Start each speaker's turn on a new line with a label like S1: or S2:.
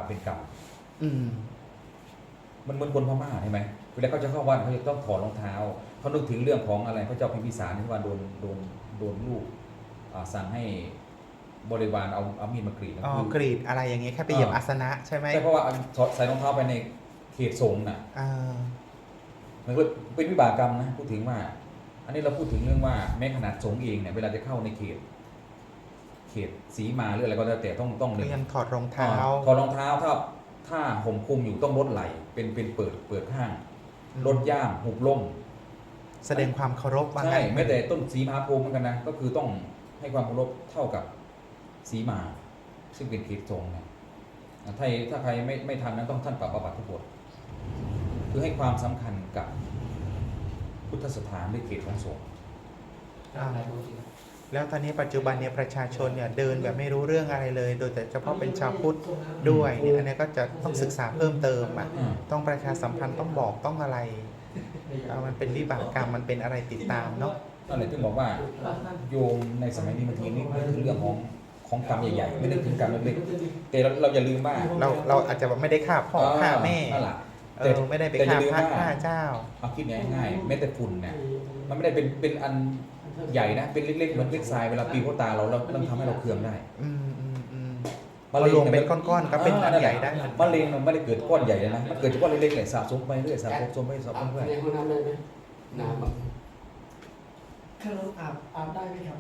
S1: เป็นกรรม
S2: อืม
S1: มันเหมือนคนพม่าใช่ไหมเวลาเขาจะเข้าวัดเขาจะต้องถอดรองเท้าเขานึกถึงเรื่องของอะไรพระเจ้าพิมพิสารที่ว่าโดนลูกสั่งให้บริวารเอามีดมากรีด
S2: อ๋อกรีดอะไรอย่างเงี้ยแค่ไปเหยียบอาสนะใช่ไหม
S1: ใช่เพราะว่าใส่รองเท้าไปในเขตสงฆ์น่ะ
S2: อ่า
S1: มันก็เป็นวิบากกรรมนะพูดถึงว่า อันนี้เราพูดถึงเรื่องว่าแม้ขนาดสงฆ์เองเนี่ยเวลาจะเข้าในเขตสีมาหรืออะไรก็แล้วแต่ต้อง
S2: ก็ยังถอดรองเท้า
S1: ถอดรองเท้าถ้าห่มคลุมอยู่ต้องลดไหล่เป็นเปิดข้างลดย่ามหุบล่ม
S2: แสดงความเคารพว่า
S1: ใช่
S2: งั้น
S1: แม้แต่ต้นสีมหาโพธิ์เหมือนกันนะก็คือต้องให้ความเคารพเท่ากับสีมาซึ่งเป็นเขตสงฆ์นะถ้าใครไม่ทำนั้นต้องท่านปรับอาบัติทุกบทคือให้ความสำคัญกับพุทธสถานในเขตของสงฆ์
S2: แล้วตอนนี้ปัจจุบันเนี่ยประชาชนเนี่ยเดินแบบไม่รู้เรื่องอะไรเลย โดยแต่เฉพาะเป็นชาวพุทธด้วยเนี่ยอันนี้ก็จะต้องศึกษาเพิ่มเติมอ่ะต้องประชาสัมพันธ์ต้องบอกต้องอะไรมันเป็นวิบากกรรมมันเป็นอะไรติดตามเนาะ
S1: นั่นแหละที่บอกว่าโยมในสมัยนี้บางทีนี่คือเรื่องของกรรมใหญ่ๆไม่ได้ถึงกรรมเล็กๆแต่เราอย่าลืมว่า
S2: เราอาจจะไม่ได้ฆ่าพ่อฆ่าแม่
S1: นั่นแหละ
S2: ไม่ได้ไป
S1: แต่อ
S2: ฆ่า
S1: ย่าลืม
S2: พระ
S1: ว่า
S2: ฆ่าเจ้า
S1: เอาคิดง่ายๆแม้แต่ฝุ่นเนี่ยมันไม่ได้เป็นอันใหญ่นะเป็นเล็กๆเหมือนเล็กทรายเวลาปีเข้าตาเราต้องทำให้เราเคืองได้
S2: มะเร็งเป็นก้อนๆก็เป็นอันใหญ่ได้
S1: มะเร็งมันไม่ได้เกิดก้อนใหญ่เลยนะมันเกิดจากก้อนเล็กๆเลยสะสมไปเรื่อยสะสมไปเรื่อย
S3: ในห้องน้ำได้ไหมน้ำแบบถ้าเราอาบได้ไหมครับ